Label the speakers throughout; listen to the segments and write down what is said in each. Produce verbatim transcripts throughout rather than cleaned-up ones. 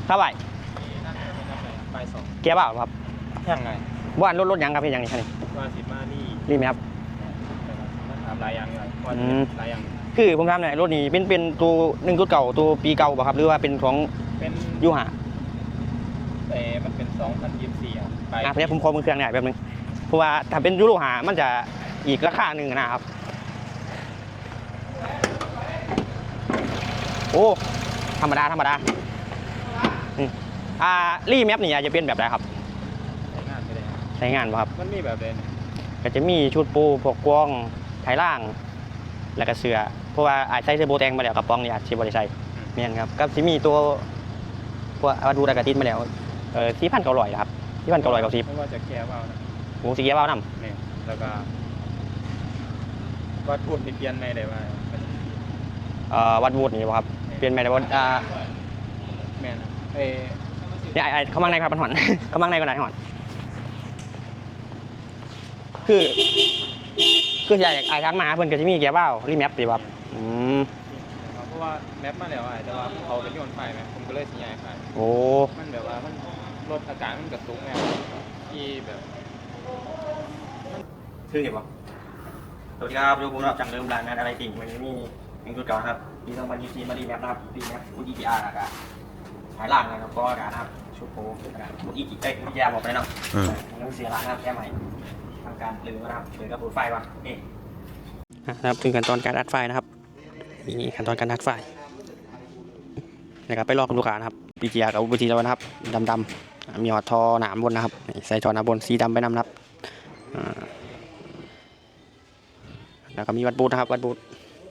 Speaker 1: เท่าไหร่
Speaker 2: ไปสอง
Speaker 1: เกียร์เปล่าครับ
Speaker 2: ยังไง
Speaker 1: ว่ารถรถยังครับพี่ยังนี่คันนี้
Speaker 2: ว่าสิมานี่
Speaker 1: รีบไหมครับ
Speaker 2: ถามหลายอย่างเลยว่าหลายอย่าง
Speaker 1: คือผมทำเนี่ยรถนี้เป็นเป็นตัวหนึ่งตัวเก่าตัวปีเก่าป่ะครับหรือว่าเป็นของ
Speaker 2: เป็น
Speaker 1: ยูหา
Speaker 2: แต่มันเป็นสองพันยี่สิบสี่อ่ะไป
Speaker 1: อ่ะเพื่อผมขอมือเครื่องหน่อยแบบนึงเพราะว่าถ้าเป็นยูโรหามันจะอีกราคาหนึ่งนะครับโอ้ธรรมดาธรรมดาอ่ารีแมปนี่จะเป็นแบบไหนครับ
Speaker 2: ใช้งานไปเลย
Speaker 1: ใช้งานป่ะครับ
Speaker 2: มันมีแบบเลย
Speaker 1: ก็จะมีชุดปูพวกกล้องไถล่างแล้วก็เสือเพราะว่าอาจใช้เสื้อโบแตงมาแล้วกับปองนี่อาจใช้บริษัทเมียนครับก็จะมีตัวพวกอาดูดากาตินมาแล้วเออสี่พันเก้าร้อยครับสี่พันเก้าร้อยเก้าสิบ
Speaker 2: เพราะว่าจะแก้ว่าวนะ
Speaker 1: โอ้สีแก้วน้ำ
Speaker 2: เนี่ยแล้วก็วัดพูดเปลี่ยนไม่ได้ว่า
Speaker 1: เอ่อวัดวูดนี่ครับเปลี่ยนไม่ได้ว่าอ่า
Speaker 2: แม่นะเอ
Speaker 1: เนี่ยไอ้เขามังในครับมันหอนเขามังในก็ไหนหอนคือคืออยากไอ้ทางมาเพิ่นก็จะมีแก้วว่าวรีแมปดีครับอืม
Speaker 2: เพราะว่าแมปมาแล้วไอ้แต่ว่าเขาเป็นโยนไฟไหมผมก็เลยสัญญาไฟ
Speaker 1: โอ้
Speaker 2: มันแบบว่ามันลดอาการมันกระตุกไงที่แบบ
Speaker 1: คือเห็นป่ะสวัสดีครับดูผมรับจังเริ่มร้านงานอะไรติ่งวันนี้มีหนึ่งจุดเก่าครับปีสองพันยี่สิบสี่มาดีแมปนะครับดีแมปอุดีพีอาร์นะครับหายล่างนะครับก็อากาศนะครับชุดโพนะครับอุดีพีเอ้ยอุดีอาร์บอกไปแล้วเนาะต้องเสียร้านนะครับแก้ใหม่ทำการปลือนะครับปลือกับปูไฟวะนี่นะครับถึงขั้นตอนการอัดไฟนะครับนี่ขั้นตอนการอัดไฟนะครับไปลอกกับลูกค้านะครับปีจีอาร์กับอุดีแล้วนะครับดำๆมีหอดทอหนามบนนะครับใส่ทอหนามบนสีดำไปนำนะครับแล้วก็มีวัดบูธนะครับวัดบูธ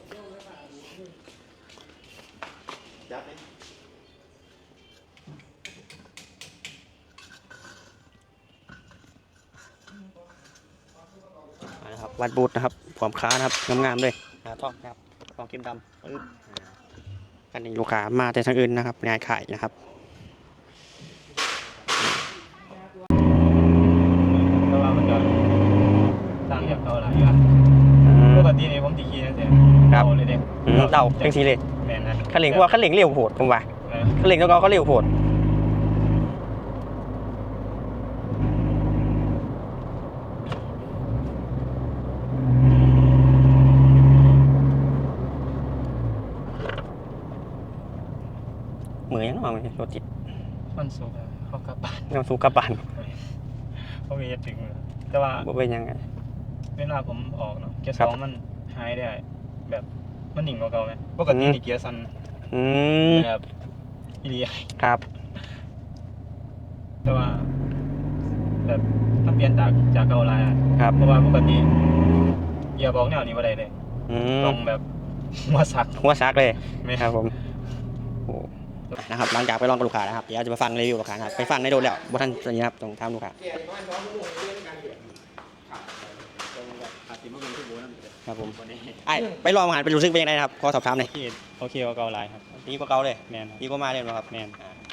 Speaker 1: นะครับวัดบูธนะครับความค้านะครับงามๆเลยท่อนะครับทองเข้มดำกันนี้ลูกค้ามาแต่ทางอื่นนะครับงานขายนะครับ
Speaker 2: แต่ว่ามันจะสร้างแบบเก่าหลายอย่างปกตินี่ผมตีคีนั่นเองเก่าเลยเด็ก
Speaker 1: เต่าเป็นสีเลย
Speaker 2: แม่นนะ
Speaker 1: ขันเหล็กว่าขันเหล็กเร็วโหดผมว่าขันเหล็กแล้วก็เขาเร็วโหดเหมือนยังไงมันรถติด
Speaker 2: มันสูงเขากระบาด
Speaker 1: มันสูงกระบาด
Speaker 2: เขามีถึงแต่ว่า
Speaker 1: เป็นยังไง
Speaker 2: เวลาผมออกเนาะเกียร์สองมันหายได้แบบมันหนิ่งกว่าเก่าไหมปกตินี่เกียร์ซันแบบอีเลีย
Speaker 1: ครับ
Speaker 2: แต่ว่าแบบถ้าเปลี่ยนจากจากเก่าลาย
Speaker 1: ครับ
Speaker 2: เพราะว่าปกติเกียร์บอกแนวนี้ว่าได้เลยต้องแบบหัวซัก
Speaker 1: หัวซักเลยไม่ครับผมนะครับหลังจากไปลองกับลูกค้านะครับเดี๋ยวจะมาฟังรีวิวลูกค้าครับไปฟังในโดนแล้วบท่านนี้ครับตรงทำลูกค้าครับผมไอ้ไปลองอาหารไปรู้สึกเป็นยังไงครับขอสอบถามหน่อย
Speaker 2: โอเคกว่าเก่าลายครับ
Speaker 1: ดีกว่าเก่าเลย
Speaker 2: แมน
Speaker 1: ดีกว่ามาเลยครับแมน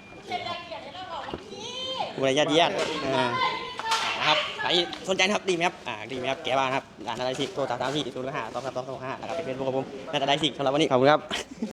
Speaker 1: บุรีญาติญาตินะครับใครสนใจนะครับดีไหมครับอ่าดีไหมครับแกบ้านครับร้านอะไรสิโทรสอบถามที่ศูนย์ห้าสองสามสองสองห้านะครับเป็นเฟซบุ๊กของผมน่าจะได้สิสำหรับวันนี้ขอบคุณครับ